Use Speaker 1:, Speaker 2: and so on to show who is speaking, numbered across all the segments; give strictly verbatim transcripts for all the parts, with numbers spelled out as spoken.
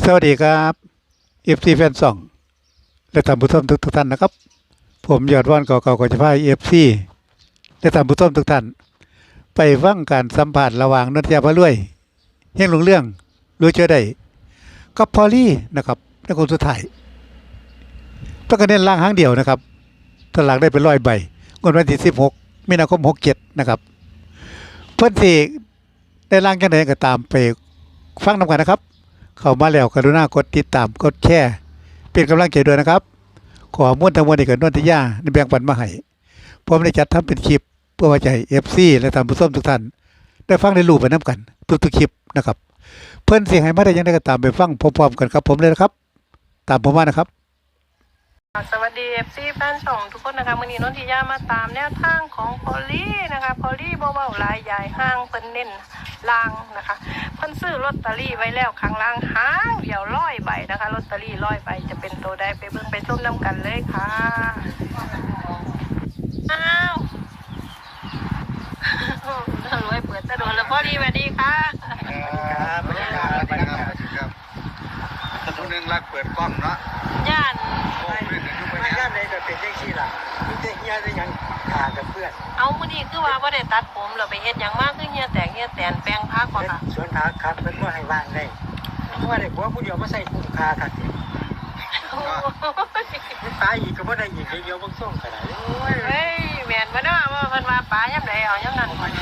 Speaker 1: สวัสดีครับเอฟซีแฟนซองและท่านผู้ชมทุกทุกท่านนะครับผมยอดว่านเก่าๆก็จะพาเอฟซีและท่านผู้ชมทุกท่านไปฟังการสัมผัสระหว่างนนทยาพระรวยเฮงหลงเรื่องรู้เจอได้กับพอลลี่นะครับในคนสุดท้ายต้องการเน้นล่างหางเดียวนะครับถ้าหลังได้เป็นร้อยใบงวดวันที่สิบหกมีนาคมหกเจ็ดนะครับเพื่อนที่ได้ล่างกันไหนก็ตามไปฟังนำกันนะครับเข้ามาแล้วกรุณากดติดตามกดแชร์เป็นกำลังใจด้วยนะครับขอมุ่นทั้งมวลนี้กับนนทยาในแบ่งปันมาให้ผมได้จัดทำเป็นคลิปเพื่อไว้ใจ เอฟ ซี และท่านผู้ชมทุกท่านได้ฟังได้รู้ไปน้ำกันทุกๆคลิปนะครับเพื่อนเสียงให้มาได้ยังได้ก็ตามไปฟังพร้อมๆกันครับผมเลยนะครับตามผมมานะครับ
Speaker 2: สวัสดีเอฟซีแฟนช่องทุกคนนะคะวันนี้นนทิยามาตามแนวทางของพอลลี่นะคะพอลลี่เบาๆลายใหญ่ห้างเพิ่นเน้นล่างนะคะเพิ่นซื้อลอตเตอรี่ไว้แล้วข้างล่างห้างเดี๋ยวร้อยใบนะคะลอตเตอรี่ร้อยใบจะเป็นตัวใดไปเบิ่งไปส้มน้ำกันเลยค่ะอ้าวรวยเปิดตะโดนแล้วพอดีสวัสดีค่ะ
Speaker 3: ครับสวัสดีครับสวัสดีครับสวัสดีครับคนหนึ่งรักเปิดกล้องเนาะ
Speaker 2: ย่าน
Speaker 3: ไม่ย่านในก็เป็นเรื่องที่ล่ะมีแต่เฮียได้ยังขากับเพื่อน
Speaker 2: เอามื้อนี้คือว่าบ่ได้ตัดผมเราไปเฮ็ดหยังมากคือเฮียแตกเฮียแตนแปลงพักบ่ค่ะ
Speaker 3: สวนผักครับเพิ่นบ่ให้ว่างได้เพราะว่าได้ผัวผู้เดียวมาใส่คุ้มค่าครับตายอีกก็บ่ได้อีกเดียวบ่ส่งก็ได้โอ้ย
Speaker 2: เฮ้ยแม่นบ่เนาะว่าเพิ่นว่าปลายามใดเอายามนั้นบ่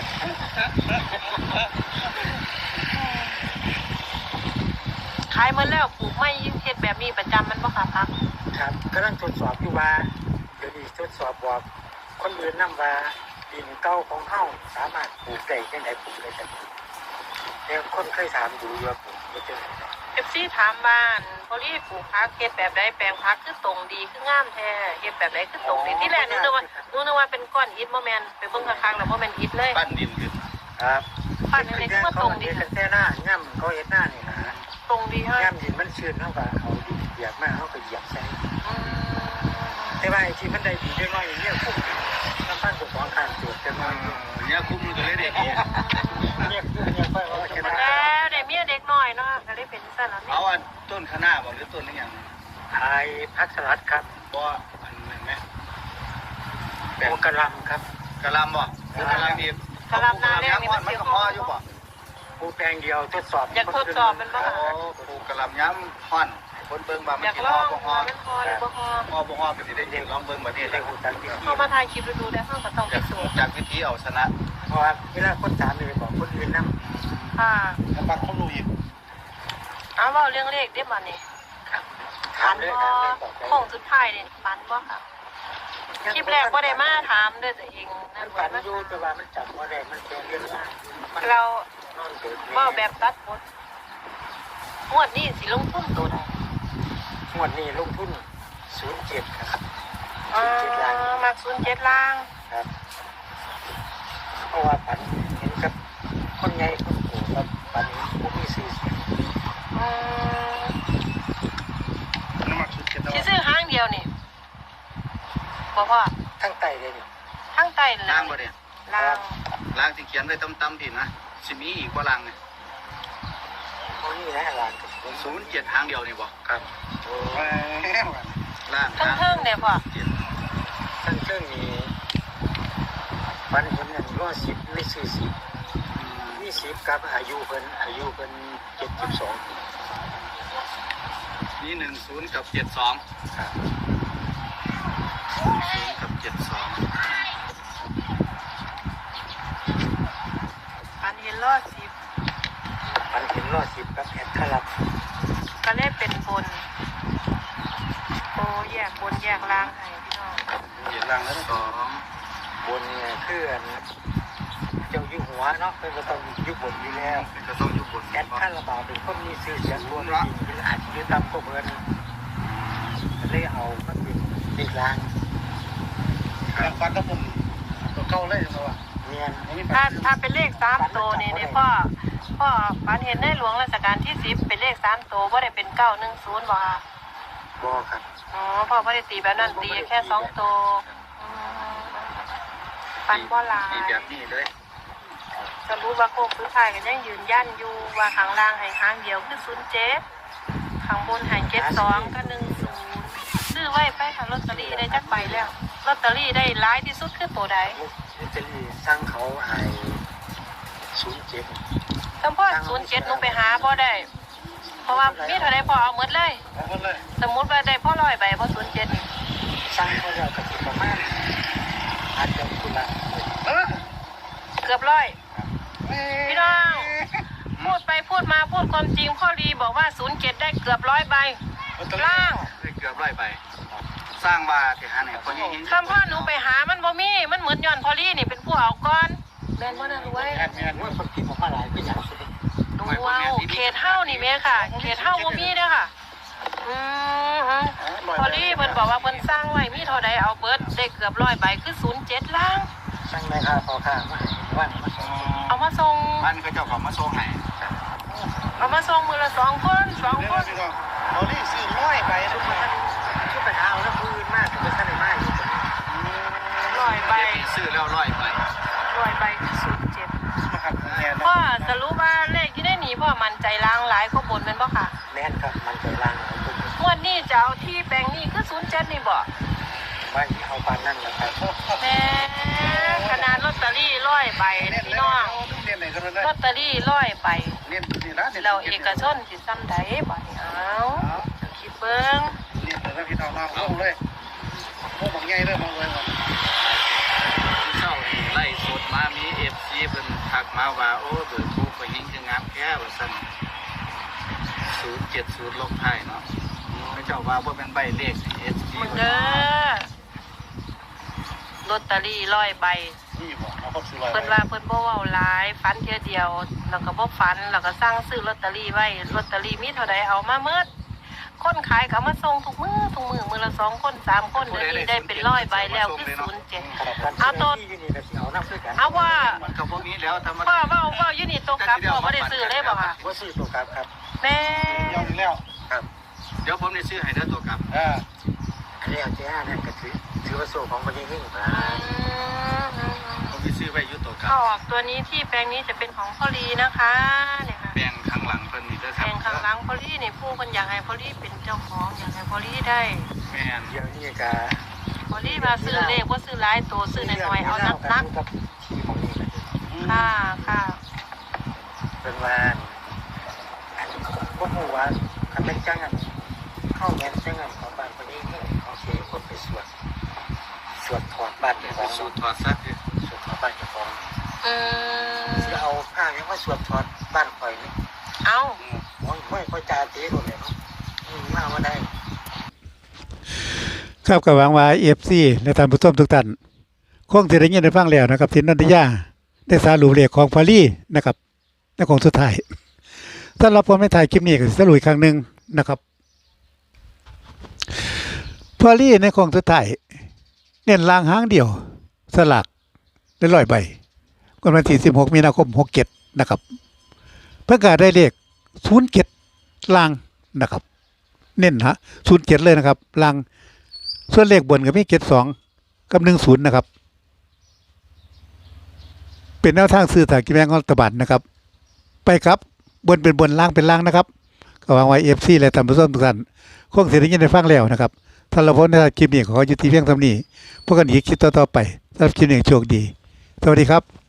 Speaker 2: ขายมาแล้วปลูกไม้เฮ็ดแบบนี้ประจำมันบ่ค่ะพัก
Speaker 3: ครับกำลังทดสอบอยู่ว่าเดี๋ยวนี้ทดสอบบอกคนอื่นนำว่าดินเก่าของเฮาสามารถปลูกได้จังได๋ปลูกได้จังแต่คนเคยถามดูว่าปลูกบ่จังได๋
Speaker 2: เอฟซีถามบ้านพอลี่ปลูกผักเฮ็ดแบบใดแปลงผักคือตรงดีคืองามแท้เฮ็ดแบบใดคือตรงดีที่แรกนึกว่านึกว่าเป็นก้อนอิฐบ่แม่นไปเบิ่งข้างๆแล้วบ่แม่นอิฐเลย
Speaker 3: ปั้นดินขึ้นครับ
Speaker 2: ปั้นอะไรคือว่าตรงดี
Speaker 3: แต่หน้าง่ำเขาเฮ็ดหน้านี่นะ
Speaker 2: ตรงดีเฮา
Speaker 3: ง่ำดินมันชื้นเฮาก็เอาดินเหยียบมาเฮาก็เหยียบใส่แต่ว่าไอ้ที่มันได้ดีได้น้อยอย่างเงี้ยคุ้มน้ำปั้นกับของข้างตัวจะน้อยเนี่ยคุ้มมันก็เลยได้ดีเนี่ยเนี่ยค่อยเอาชนะ
Speaker 2: แล้วได้เมียเด็กน้อยเนาะก็เลยเป็นซั่นล่ะ
Speaker 3: เอาอันต้นคะน้าบ่หรือต้นอีหยังไอ้ผักสลัดครับบ่อันนั้นแม่โอ้กะหล่ำครับกะหล่ำบ่กะหล่ำดี
Speaker 2: กะหล่ำนาแรกนี่
Speaker 3: มันก็พออยู่บ่ปลูกแปลงเดียวทดสอบ
Speaker 2: อยากทดสอบมันบ่ค่ะ
Speaker 3: ปลูกกะหล่ำย้ำฮ้อนคนเบิ่งบ่มันสิฮอบ่ฮอ
Speaker 2: มันฮอหรือบ่ฮอ
Speaker 3: ฮอบ่ฮอก็สิได้ลองเบิ่งบัดนี้ได้ฮู้จักวิธี
Speaker 2: เฮามาถ่ายคลิปดูได้เฮาก็ต้องไปสู้
Speaker 3: จากวิธีเอาชนะเพราะว่าเวลาคนถามนี่บอกคนอื่นนำ
Speaker 2: ค่ะ
Speaker 3: แล้วบางคนรู้อีก
Speaker 2: เอาเว้าเรื่องเลขได้บัดนี้ถามบ่ของสุดท้ายนี่ฝันบ่ค่ะคลิปแรกบ่ได้มาถามด้วยตัวเอง
Speaker 3: นั่นฝันอยู่แต่ว่ามันจับบ่ได้มันเป็นเรื่อง
Speaker 2: เราเว้าแบบตัดบทงวดนี้สิลงทุนตัวใด
Speaker 3: งวดนี้ลงทุนศูนย์เจ็ดครับ
Speaker 2: อ๋อมักศูนย์เจ็ดล่าง
Speaker 3: ครับเพราะว่าฝันเห็นกับคนใหญ่คนโตครับฝันบ่มีชื่อเสียง
Speaker 2: อืมสิซื้อห้างเดียวนี่บ่พ่อ
Speaker 3: ทั้งใต้เลยนี่
Speaker 2: ทั้งใต้
Speaker 3: ล่างบ่เนี่ย
Speaker 2: ล่าง
Speaker 3: ล่างที่เขียนไว้ต่ำๆพี่นะสิมีอีกบ่ล่างนี่โอ้นี่นะล่างศูนย์เจ็ดทางเดียวนี่บ่ครับโอ้ล่าง
Speaker 2: ทั้งเทิงเนี่ยพ่อ
Speaker 3: ทั้งเทิงนี่ฝันเห็นอันร้อยสิบไม่ซื้อสิบมีสิบกับอายุเพิ่นอายุเพิ่นเจ็ดสิบสองปีนี่หนึ่งศูนย์กับเจ็ดสองครับศูนย์กับเจ็ดสอง
Speaker 2: อันเห็นร้อยสิบ
Speaker 3: อันเห็นร้อยสิบกับแอดคารับ
Speaker 2: ก็เลยเป็นบนโอ้แยกบนแยกล่างให้พี่น้อง
Speaker 3: แยกล่างแล้วสองบนเนี่ยคืออันเจ้าอยู่หัวเนาะเป็นก็ต้องอยู่บนอยู่แล้วเป็นก็ต้องอยู่บนแอดคาราบาวเป็นคนมีชื่อเสียงรวมจริงคืออาจจะตามก็เพิ่นเลยเอามันเป็นเด็กล่างการฟันถ้าผมตัวเก่าเลยใช่ไหมวะเนี่ย
Speaker 2: ถ้าถ้าเป็นเลขสามตัวนี่เนี่ยพ่อพ่อฝันเห็นในหลวงรัชกาลที่สิบเป็นเลขสามตัวว่าได้เป็นเก้าหนึ่งศูนย์บ่ค่ะ
Speaker 3: บ่ครับ
Speaker 2: อ๋อพ่อพ่อได้ตีแบบนั้นตีแค่สองตัวฝันบ่หลาย
Speaker 3: ตีแบบนี้เลย
Speaker 2: จะรู้ว่าโค้งสุดท้ายกันยังยืนยันอยู่ว่าข้างล่างให้ห้างเดียวคือศูนย์เจ็ดข้างบนใหายเจ็ดสองกับหนึ่งศูนย์ซื้อไว้ไปค่ะลอตเตอรี่ได้จักใบแล้วลอตเตอรี่ได้ร้ายที่สุดคือตัวใด
Speaker 3: ลอตเตอรี่สั่งเขาให้ศูนย์เจ็ด
Speaker 2: สมพอศูนย์เจ็ดหนูไปหาพ่อได้ เพราะว่ามีเท่าไรพอเอาหมดเลย
Speaker 3: เอาหมดเลย
Speaker 2: สมมติว่าได้พ่อร้อยใบพ่อศูนย์เจ็ดนี่
Speaker 3: สั่งเขาแล้วก็สิประมาณอาจจะคุณละเออ
Speaker 2: เกือบร้อยพี่น้องพูดไปพูดมาพูดความจริงพ่อรีบอกว่าศูนย์เจ็ดได้เกือบร้อยใบล่าง
Speaker 3: ได้เกือบร้อยใบสร้างบาที่หาเนี่ยคนนี้
Speaker 2: คำพ่อหนูไปหามันบ่มีมันเหมือนย้อนพ่อรีนี่เป็นผู้เอาก้อนแม่นบ่น่ารวย
Speaker 3: แอดมินว่าคนกินออกมาหลายก็อยากสิ
Speaker 2: ดูว้าวเขตเฮ้านี่แม่ค่ะเขตเฮ้าบ่มีเด้อค่ะอืมฮึพอลี่เพิ่นบอกว่าเพิ่นสร้างไว้มีเท่าใดเอาเบิดได้เกือบร้อยใบคือศูนย์เจ็ดล้าง
Speaker 3: สั่งในค่าพอค่ามาว่ามาส่ง
Speaker 2: เอามาส่ง
Speaker 3: มันก็เจ้าของมาส่งให้
Speaker 2: เอามาส่งมือละสองคนสองคน
Speaker 3: เราลี่ซื้อร้อยใบทุกคนทุกปัญหาเอาแล้วพื้นมากแต่ไม่ใช่ในไม้
Speaker 2: ร้อยใบ
Speaker 3: ซื้อแล้วร้อยใบ
Speaker 2: ร้อยใบคือศูนย์เจ็ด
Speaker 3: นะครับแน่น
Speaker 2: พ่อสรุปว่าเลขที่ได้หนีพ่อมันใจล้างหลายข้อบนแม่นบ่ค่ะ
Speaker 3: แน่นครับมันจะล้างเอาทุก
Speaker 2: งวดนี้จะเอาที่แปลงนี้คือศูนย์เจ็ดนี่บ่
Speaker 3: ไม่เอาปานนั่นแหละครับ
Speaker 2: แม่ขนาดลอตเตอรี่ร้อยใบพี่น้องลอตเตอรี่ร้อยใบ
Speaker 3: เน้นนี่นะ
Speaker 2: เราเอกชนสิซ้ำใดบ่นี่เอาคิดเบิ่ง
Speaker 3: เน้นเลยนะพี่น้องๆลงเลยพวกบางใหญ่เริ่มมองเลยว่าเจ้าไล่สดมามีเอฟซีเป็นทักมาว่าโอ้เบอร์โทรไปยิงจะงามแค่ว่าสั่นศูนย์เจ็ดศูนย์ลงท้ายเนาะพระเจ้าว่าว่าเป็นใบเลขเอฟซี
Speaker 2: มึงเด้อลอตเตอรี่ร้อยใบ
Speaker 3: นี่บอกเอาครบสิร้อย
Speaker 2: เพิ่นว่าเพิ่นบ่เว้าหลายฝันเที่ยเดียวแล้วก็บ่ฝันแล้วก็สั่งซื้อลอตเตอรี่ไว้ลอตเตอรี่มีเท่าใดเอามาเมิดคนขายก็เอามาส่งทุกมื้อทุกมื้อมื้อละสองคนสามคนเดี๋ยวนี้ได้เป็นร้อยใบแล้วคือศูนย์เจ็ดเอาตัวเอาว่า
Speaker 3: มันกับพวกนี้แล้วทำมา
Speaker 2: พ่อเว้าเว้าอยู่นี่ตกกลับพ่อบ่ได้ซื้อเลยบ่ค่ะ
Speaker 3: ว่าซื้อตัวกลับครับ
Speaker 2: แม่
Speaker 3: ยอมแล้วครับเดี๋ยวผมได้ซื้อให้เด้อตัวกลับอ่าอันนี้เอาเจ้าเนี่ยก็ถือถือว่าโซ่ของคนนี้นี่ครั
Speaker 2: อืม
Speaker 3: ผมไปซื้อไว้ยุตัวกลับ
Speaker 2: ถ้าออกตัวนี้ที่แปลงนี้จะเป็นของพ่อลีนะคะเนี่ยค่ะ
Speaker 3: แบ่งข้างหลังเพิ่นนี่เด้อค
Speaker 2: แป
Speaker 3: รับ
Speaker 2: ลงข้างหลังพ่อลีนี่ผู้คนอยากให้พ่อลีเป็นเจ้าของอยากให้พ่อลีได้
Speaker 3: แม่นเดี๋ยวนี้ก็
Speaker 2: พ่อลีมาซื้อเลขว่าซื้อหลายตัวซื้อน้อยๆเอานักนัก
Speaker 3: กับที่ของนี่ก็
Speaker 2: ๆค่ะค่ะ
Speaker 3: เป็นว่าพวกหัวคันเป็นจังอันเข้าแม่นจังอันของบ้านคนนี้นี่เขาเสียคนไปสวดสวดถอดบ้านของสวดถอดซักสวดถอดบ้านของ
Speaker 2: อืม
Speaker 3: จะเอาผ้ายังว่าสวดถอดบ้านข่อยนี่
Speaker 2: เอา
Speaker 3: โอ้ยไม่ค่อยจ่าเจ๊หมดเลยเนาะมาว่าได้
Speaker 1: ครับก็หวังว่า เอฟ ซี และท่านผู้ชมทุกท่านคงสิได้ยินได้ฟังแล้วนะครับที่นันทยาได้สรุปเลขของพอลี่นะครับในของสุดท้ายสำหรับผมในถ่ายคลิปนี้ก็สิสรุปอีกครั้งหนึงนะครับพอลี่ในของสุดท้ายเน้นลางหางเดียวสลากได้ร้อยใบวันที่สิบหกมีนาคมหกเจ็ดนะครับเพื่อการได้เลขศูนย์เจ็ดลางนะครับ เน้นฮะศูนย์เจ็ดเลยนะครับลางส่วนเลขบนก็มีเจ็ดสองกับหนึ่งศูนย์นะครับเป็นแนวทางซื้อสลากกินแบ่งรัฐบาลนะครับ ไปครับบนเป็นบนล่างเป็นล่างนะครับก็หวังไว้เอฟซีและท่านผู้ชมทุกท่านคงเสียได้ยินได้ฟังแล้วนะครับถ้าเราพ้นในคลิปนี้ขอยุติเพียงเท่านี้พวกกันอีกคลิปต่อๆไปสำหรับคลิปนี้โชคดีสวัสดีครับ